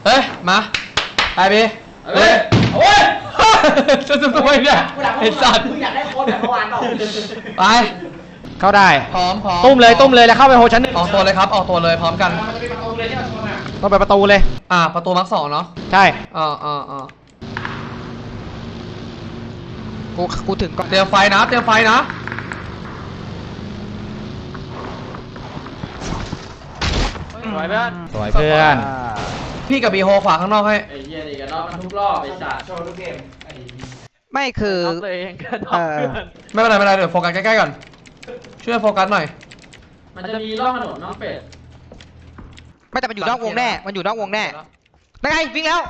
เฮ้ยมาไปบีเฮ้ยโอ้ยจะทำไมเนี่ยไอ้สัตว์อยากได้โค้ดแบบเมื่อวานเปล่าไปเข้าได้พร้อมตุ้มเลยแล้วเข้าไปโฮชั้นหนึ่งออกตัวเลยครับออกตัวเลยพร้อมกันต้องไปประตูเลยประตูมาร์ค 2เนาะใช่กูถึงก่อนเตรียมไฟนะสวยเพื่อนพี่กับบีโฮขวาข้างนอกให้ไอ้เหี้ยนี่กันรอบมันทุกรอบไอ้สัตว์โชว์ทุกเกมไม่คือไม่เป็นไรเดี๋ยวโฟกัสใกล้ๆก่อนช่วยโฟกัสหน่อยมันจะมีร่องถนนน้องเป็ดไม่แต่มันอยู่นอกวงแน่นั่นไงวิ่งแล้ว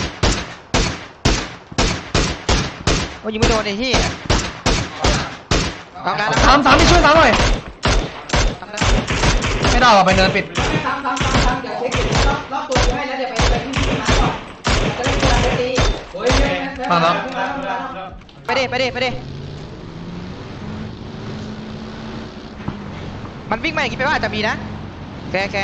โอ้ยิงไม่โดนไอ้ที่สามที่ช่วยสามหน่อยไม่ได้หรอไปเนินปิดซ้ำเดี๋ยวเช็ครอบตัวให้แล้วเดี๋ยวไปที่มาก่อนจะเล่นกีฬาตีโอ้ยมาแล้วไปดิมันวิ่งมาอย่างนี้ไปว่าจะมีนะแก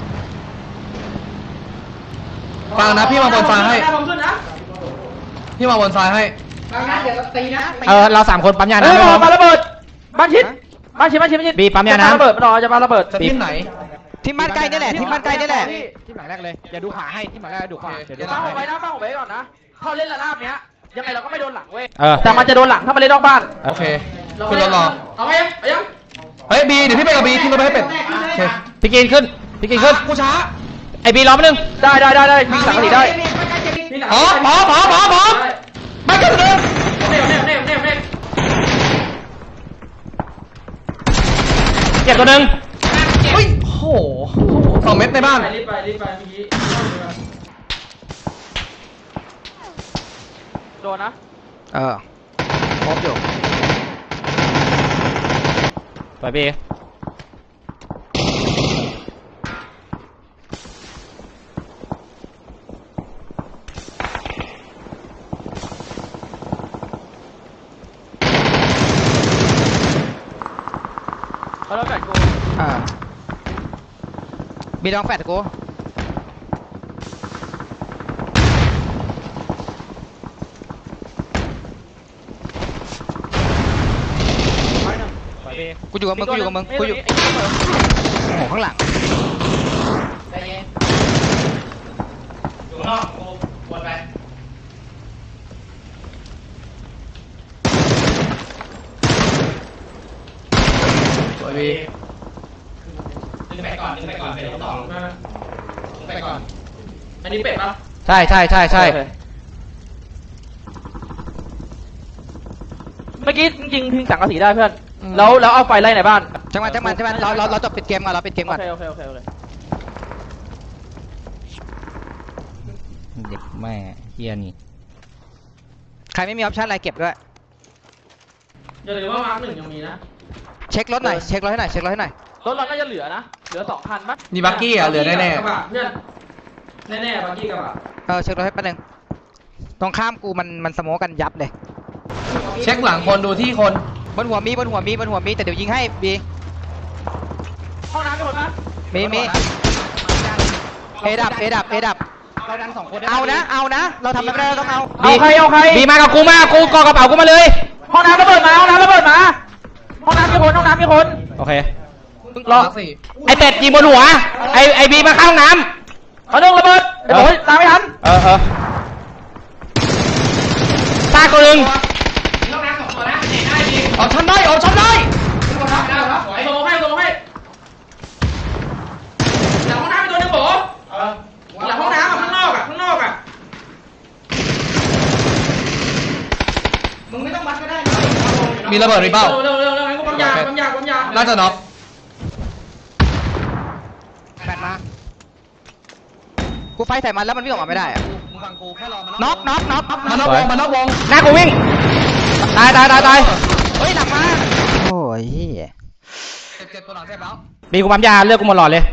ฟังนะพี่มาบนซ้ายให้พี่มาบนซ้ายให้ฟังนะเดี๋ยวตีนะเรา3คนปั๊มยานะปาระเบิดบ้านชิดบีปั๊มยานะระเบิดมันรอจะปาระเบิดที่ไหนที่บ้านใกล้นี่แหละที่หลังแรกเลยอย่าดูขวาให้ที่หลังแรกดูขวาฟังผมไว้ก่อนนะเขาเล่นระนาบเนี้ยยังไงเราก็ไม่โดนหลังเว้ยแต่มันจะโดนหลังถ้ามันเล่นนอกบ้านโอเคขึ้นรถรอเอาไปยังเฮ้ยบีเดี๋ยวพี่ไปกับบีที่รถไปให้เป็ดโอเคพี่กินขึ้นกูช้าไอบีล้อมนึงได้มีสังกะสีได้พอไม่กันเลยเนี่ยเจ็บตัวนึงเฮ้ยโอ้โห2 เม็ดในบ้านรีบไปเมื่อกี้โดนนะพบอยู่ไปบีเราแฟดกูบีลองแฟดกูกูอยู่กับมึงโอ้โหข้างหลังอยู่นอกกูวนไปสวยบีดึงไปก่อนเป็ดต่อไปก่อนอันนี้เป็ดปะใช่เมื่อกี้จริงๆทิ้งสังกะสีได้เพื่อนแล้วเอาไฟไล่ในบ้านจังหวะเราจบปิดเกมก่อนโอเคเด็กแม่เฮียนี่ใครไม่มีออปชั่นอะไรเก็บด้วยอย่าลืมว่ามาร์ค 1ยังมีนะเช็ครถหน่อยให้หน่อยรถเราน่าจะเหลือนะเหลือ2 คันมั้ยนี่บักกี้เหลือแน่ๆเพื่อนแน่บักกี้กระบะเช็ครถให้แป๊บนึงตรงข้ามกูมันสโมกันยับเลยเช็คหลังคนดูที่คนบนหัวมีแต่เดี๋ยวยิงให้บีห้องน้ำมีคนมั้ยมีเอดับเราดัน2 คนเอานะเราทำไม่ได้เราต้องเอาใครบีมากับกูกอกระเป๋ากูมาเลยห้องน้ำระเบิดมาห้องน้ำมีคนโอเครอไอเป็ดยิงบนหัวไอบีมาข้างห้องน้ำเอาระเบิดไอโบยตามไม่ทันตาตัวนึงห้องน้ำ2 ตัวนะเห็นได้ดีเอาชั้นได้ไไอโบให้หลังห้องน้ำมีตัวนึงโบหลังห้องน้ำข้างนอกมึงไม่ต้องวัดก็ได้มีระเบิดหรือเปล่าเร็วกูปั๊มยาน่าจะน็อกแปดมากูไฟใส่มันแล้วมันวิ่งออกมาไม่ได้อะน็อกมานอกวงหน้ากูวิ่งตายเฮ้ยหลังมาโอ้ยเจ็บตัวหลังเจ็บแล้วบีกูปั๊มยาเลือกกูหมดหลอดเลย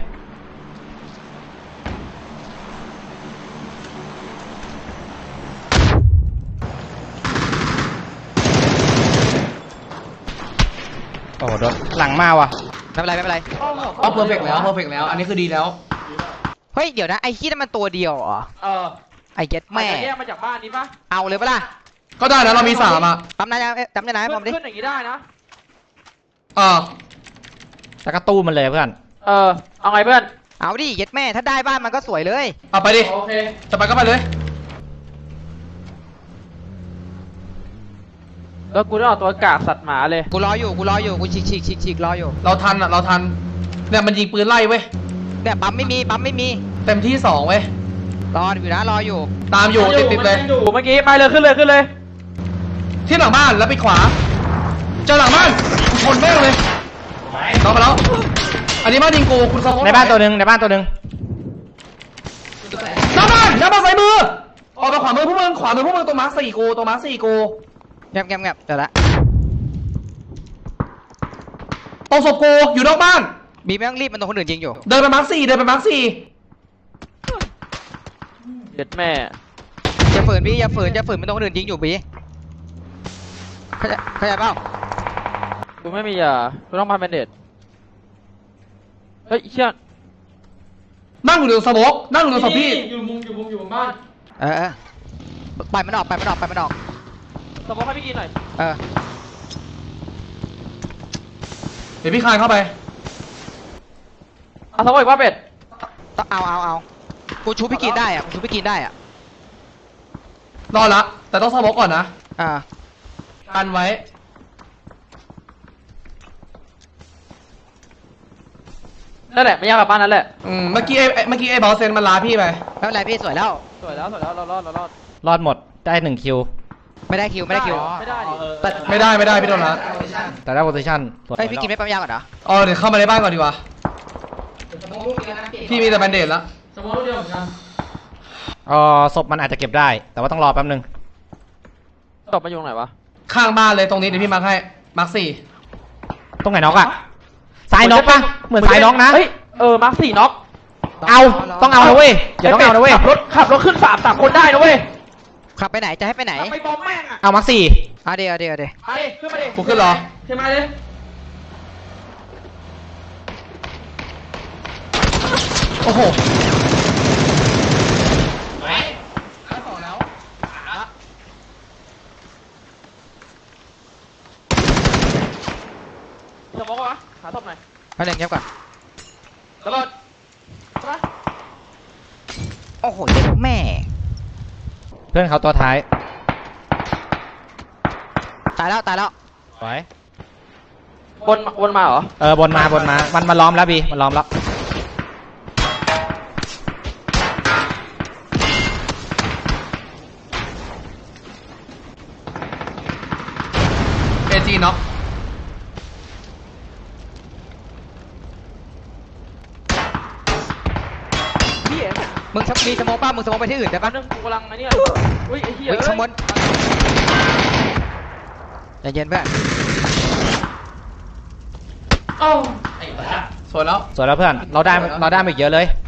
โอ้โหโดนหลังมาว่ะไม่เป็นไรเพอร์เฟกต์แล้วอันนี้คือดีแล้วเฮ้ยเดี๋ยวนะไอ้ขี้นั่นมันตัวเดียวเหรอ ไอ้เย็ดแม่แม่แยกมาจากบ้านนี้ปะเอาเลยปะล่ะก็ได้นะเรามี3อ่ะจำได้นะให้ผมดิขึ้นอย่างนี้ได้นะแล้วก็ตู้มันเลยเพื่อนเอาไงเพื่อนเอาดิเย็ดแม่ถ้าได้บ้านมันก็สวยเลยเอาไปดิโอเคจะไปก็ไปเลยแล้วกูต้องเอาตัวกากสัตว์หมาเลยกูรออยู่กูฉีกรออยู่เราทันอ่ะเราทันเนี่ยมันยิงปืนไล่เว้ยเนี่ยปั๊มไม่มีเต็มที่2เว้ยรออยู่นะรออยู่ตามอยู่ติดเลยมันอยู่เมื่อกี้ไปเลยขึ้นเลยที่หลังบ้านแล้วไปขวาเจอหลังบ้านกูชนแม่งเลยน้องมาแล้วอันนี้บ้านยิงกูคุณสมองในบ้านตัวหนึ่งในบ้านตัวหนึ่งหน้าบ้านใส่มือออกไปขวามือพวกมึงตัวมาร์ค4กูตัวมาร์ค4กูแงบเดี๋ยวละตรงศพกูอยู่นอกบ้านบีไม่ต้องรีบมันโดนคนอื่นยิงอยู่เดินไปมาร์ค4 เด็ดแม่อย่าฝืนพี่อย่าฝืนมันโดนคนอื่นยิงอยู่บีเข้าใจเปล่ากูไม่มีกูต้องมาเป็นเด็ดเฮ้ยเชี่ยนั่งอยู่ในสโมกนั่งอยู่ในศพพี่อยู่มุมบ้านปล่อยมันออกสมมติให้พี่กินหน่อยเดี๋ยวพี่คายเข้าไปเอาสมมติอีกว่าเป็ดต้องเอากูชูพี่กินได้อะรอละแต่ต้องสโมกก่อนนะกันไว้นั่นแหละไม่ยากกับบ้านนั่นแหละเมื่อกี้ไอ้บอสเซนมันลาพี่ไปไม่เป็นไรพี่สวยแล้วสวยแล้วเรารอดรอดหมดได้1คิวไม่ได้คิวไม่ได้ดิไม่ได้พี่โดนละแต่ได้โพซิชั่นเฮ้ยพี่กินไม่ปั๊มยาก่อนเหรอเดี๋ยวเข้ามาในบ้านก่อนดีกว่าพี่มีแต่แบนเดดละสมมติเดียวเหมือนกันศพมันอาจจะเก็บได้ แต่ว่าต้องรอแป๊บนึงตบมาอยู่ตรงไหนวะข้างบ้านเลยตรงนี้เดี๋ยวพี่มาร์คให้มาร์ค4 ตรงไหนน็อกอะซ้ายน็อกปะเหมือนซ้ายน็อกนะเฮ้ยมาร์ค4น็อกต้องเอานะเว้ยอย่าต้องเอานะเว้ยขับรถขึ้น3คนได้นะเว้ยขับไปไหนจะให้ไปไหนไปบอมแม่งอ่ะเอามาร์คเอาเดี๋ยวมาดิขึ้นมาดิกูขึ้นเหรอขึ้นมาดิโอ้โหสมมติวะหาศพหน่อยเอาเดี๋ยวเงียบก่อนระเบิดใช่ปะโอ้โหเย็ดแม่เพื่อนเขาตัวท้ายตายแล้วไว้วนมาเหรอบนมามันล้อมแล้วบีมันล้อมแล้ว AG น็อกพี่เอ๋มึงมีสโมกป่ะมึงสโมกไปที่อื่นได้แป๊ปะบนึงกูกำลังไอ้นี่อุ้ยไอ้เหี้ยวิ่งข้างบนใจเย็นเพื่อนเอ้าไอ้บ้าสวยแล้วสวยแล้วเพื่อนเราได้มาอีกเยอะเลย